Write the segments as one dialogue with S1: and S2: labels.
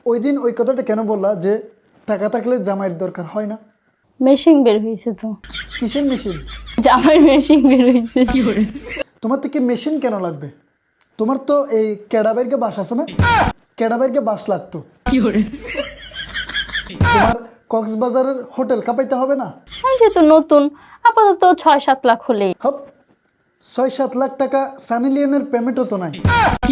S1: ওই দিন ওই কথাটা কেন বললা যে টাকা থাকলে জামাইয়ের দরকার হয় না?
S2: মেশিন বের হয়েছে তো।
S1: কিসের মেশিন?
S2: জামাই মেশিন বের হয়েছে।
S1: তোমার থেকে মেশিন কেন লাগবে? তোমার তো এই ক্যাডাবেরকে বাস আছে না, ক্যাডাবেরকে বাস লাগতো। তোমার কক্সবাজারের হোটেল কাঁপাইতে হবে না?
S2: আমি যেহেতু নতুন, আপাতত 6-7 লাখ হলেই।
S1: হপ, 6-7 লাখ টাকা সানি লিওনের পেমেন্টও তো নাই।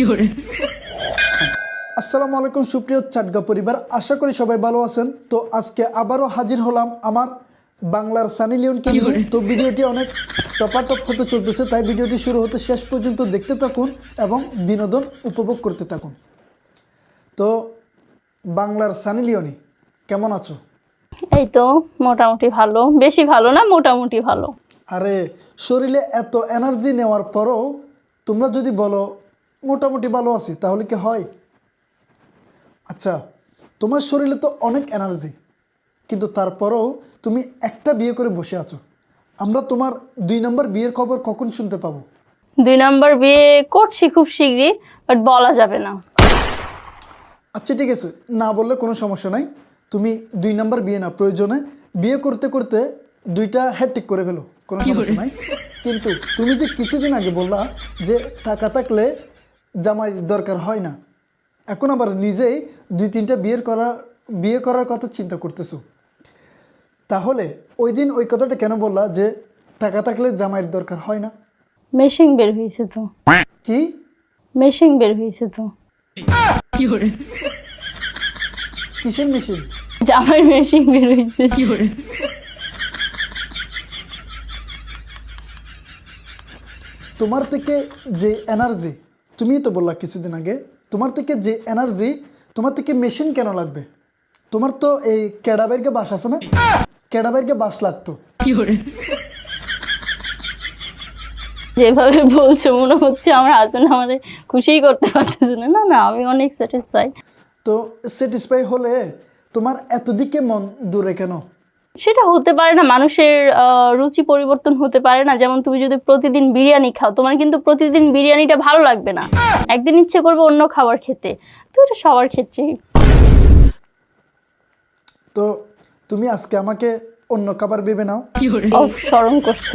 S1: আসসালামু আলাইকুম সুপ্রিয় চাটগা পরিবার, আশা করি সবাই ভালো আছেন। তো আজকে আবারও হাজির হলাম আমার বাংলার সানি লিওনকে নিয়ে। তো ভিডিওটি অনেক টপাটপ হতে চলতেছে, তাই ভিডিওটি শুরু হতে শেষ পর্যন্ত দেখতে থাকুন এবং বিনোদন উপভোগ করতে থাকুন। তো বাংলার সানি লিওনি, কেমন আছো?
S2: এই তো মোটামুটি ভালো, বেশি ভালো না, মোটামুটি ভালো।
S1: আরে শরীরে এত এনার্জি নেওয়ার পরও তোমরা যদি বলো মোটামুটি ভালো আছি, তাহলে কি হয়? আচ্ছা, তোমার শরীরে তো অনেক এনার্জি, কিন্তু তারপরেও তুমি একটা বিয়ে করে বসে আছো। আমরা তোমার 2 নম্বর বিয়ের খবর কখন শুনতে পাবো?
S2: 2 নাম্বার বিয়ে করছি খুব শীঘ্রই, বাট বলা যাবে না।
S1: আচ্ছা ঠিক আছে, না বললে কোনো সমস্যা নাই। তুমি 2 নম্বর বিয়ে না, প্রয়োজনে বিয়ে করতে করতে 2টা হ্যাট্রিক করে ফেলো, কোনো সমস্যা নাই। কিন্তু তুমি যে কিছুদিন আগে বললা যে টাকা থাকলে জামাই দরকার হয় না, এখন আবার নিজেই 2-3টা বিয়ে করার কথা চিন্তা করতেছো। তাহলে ওই দিন ওই কথাটা কেন বললা যে টাকা থাকলে জামাইয়ের দরকার হয় না?
S2: মেশিন বের হয়েছে তো।
S1: কি?
S2: মেশিন বের হয়েছে তো।
S1: কিসের মেশিন?
S2: জামাই মেশিন বের হয়েছে।
S1: তোমার থেকে যে এনার্জি, তুমিই তো বললা কিছুদিন আগে, তোমার থেকে যে এনার্জি, তোমার থেকে মেশিন কেন লাগবে? তোমার তো এই ক্যাডাবেরকে বাস আছে না, ক্যাডাবেরকে বাস লাগতো।
S2: যেভাবে বলছো মনে হচ্ছে আমার হাজবেন্ড আমাদের খুশিই করতে পারতেছে না। না না, আমি অনেক স্যাটিসফাই।
S1: তো স্যাটিসফাই হলে তোমার এত দিকে মন দূরে কেন?
S2: সেটা হতে পারে না, মানুষের রুচি পরিবর্তন হতে পারে না। যেমন তুমি যদি প্রতিদিন বিরিয়ানি খাও, তোমার কিন্তু প্রতিদিন বিরিয়ানিটা ভালো লাগবে না, একদিন ইচ্ছে করবে অন্য খাবার খেতে। তো এটা সবার ক্ষেত্রেই।
S1: তো তুমি আজকে আমাকে অন্য খাবার ভেবে নাও।
S2: শরম করছে।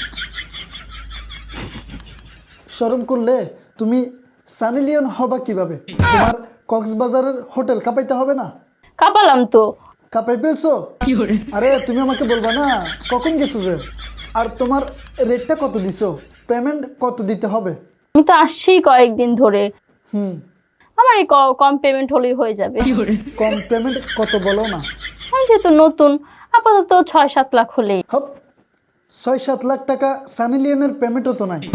S1: শরম করলে তুমি সানি লিওন হবা কিভাবে? তোমার কক্সবাজারের হোটেল কাঁপাইতে হবে না?
S2: কাঁপালাম তো।
S1: কাঁপাই ফেলছো? আরে তুমি আমাকে বলবা না কখন গেছো যে? আর তোমার রেটটা কত দিছো? পেমেন্ট কত দিতে হবে?
S2: আমি তো আসছি কয়েকদিন ধরে,
S1: হুম,
S2: আমার এই কম পেমেন্ট হলেই হয়ে যাবে।
S1: কম পেমেন্ট কত বলো না?
S2: আমি যেহেতু নতুন, আপাতত 6-7 লাখ হলেই।
S1: হপ, 6-7 লাখ টাকা সানি লিওনের পেমেন্টও তো নাই।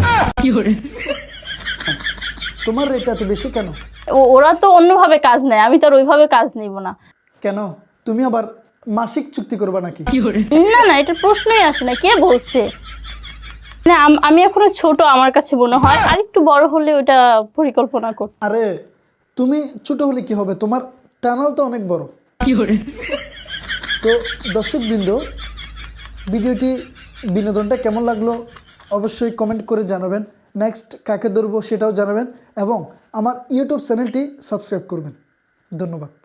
S1: তোমার রেট এত বেশি কেন?
S2: ওরা তো অন্যভাবে কাজ নেয়, আমি তো আর ওইভাবে কাজ নিব না।
S1: কেন? তুমি আবার মাসিক চুক্তি করবা নাকি?
S2: না না, এটা প্রশ্নই আসে না, কে বলছে? না, আমি এখনো ছোট, আমার কাছে মনে হয় আর একটু বড় হলে ওটা পরিকল্পনা কর।
S1: আরে তুমি ছোট হলে কি হবে, তোমার টানাল তো অনেক বড়। তো দর্শকবৃন্দ, ভিডিওটি বিনোদনটা কেমন লাগলো অবশ্যই কমেন্ট করে জানাবেন। নেক্সট কাকে ধরবো সেটাও জানাবেন এবং আমার ইউটিউব চ্যানেলটি সাবস্ক্রাইব করবেন। ধন্যবাদ।